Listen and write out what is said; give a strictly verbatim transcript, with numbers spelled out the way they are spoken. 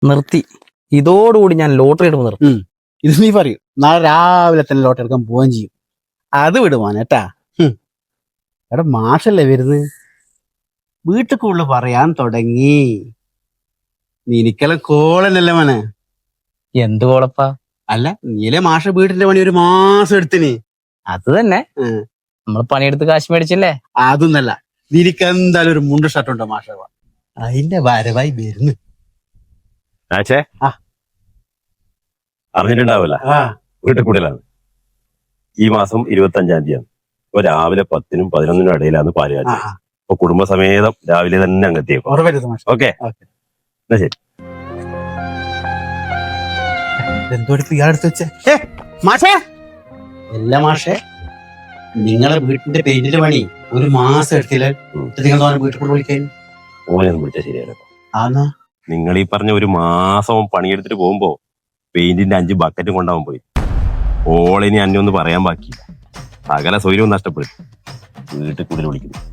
നിർത്തി. ഇതോടുകൂടി ഞാൻ ലോട്ടറി എടുപ്പ് നിർത്തി. ഇത് നീ പറയൂ, നാളെ രാവിലെ തന്നെ ലോട്ടറി എടുക്കാൻ പോവുകയും ചെയ്യും. അത് വിടുവാനേട്ടാ. എടാ മാഷല്ലേ വരുന്നത്, വീട്ടിൽ കൂടുതൽ പറയാൻ തുടങ്ങി. നിനക്കെല്ലാം കോളനല്ലേ മോനെ? എന്ത് കോളപ്പാ? അല്ല, നീലെ മാഷ വീട്ടിന്റെ പണി ഒരു മാസം എടുത്തിന്. അത് തന്നെ, നമ്മൾ പണിയെടുത്ത് കാശ് മേടിച്ചില്ലേ. അതൊന്നല്ല, നിനക്ക് എന്തായാലും ഒരു മുണ്ട് ഷർട്ട് ഉണ്ടോ മാഷ? അതിന്റെ വരവായി വരുന്നു. അറിഞ്ഞിട്ടുണ്ടാവില്ല, വീട്ടിൽ കൂടുതലാണ്. ഈ മാസം ഇരുപത്തി അഞ്ചാം തീയതി ഇപ്പൊ രാവിലെ പത്തിനും പതിനൊന്നിനും ഇടയിലാണ് പാല് കാച്ചി. അപ്പൊ കുടുംബസമേതം രാവിലെ തന്നെ അങ്ങെത്തിയേക്കും. ഓക്കെ, എന്നാ ശരി. എന്തോടിപ്പ് ഇയാളെടുത്ത് വെച്ചേ മാഷേ? എല്ലാ മാഷേ, നിങ്ങളെ വീട്ടിന്റെ പെയിന്റിന്റെ പണി ഒരു മാസം എടുത്തില്ല. നിങ്ങൾ വീട്ടിൽ കൂടെ വിളിക്കാൻ ഓനൊന്നും വിളിച്ചാൽ ശരിയല്ലോ. ആന്നാ നിങ്ങൾ ഈ പറഞ്ഞ ഒരു മാസം പണിയെടുത്തിട്ട് പോകുമ്പോ പെയിന്റിന്റെ അഞ്ച് ബക്കറ്റും കൊണ്ടാവാൻ പോയി. ഓളിനി അന്നൊന്നും പറയാൻ ബാക്കിയില്ല. സകല സ്വൈര്യവും നഷ്ടപ്പെടും. വീട്ടിൽ കൂടുതൽ വിളിക്കുന്നു.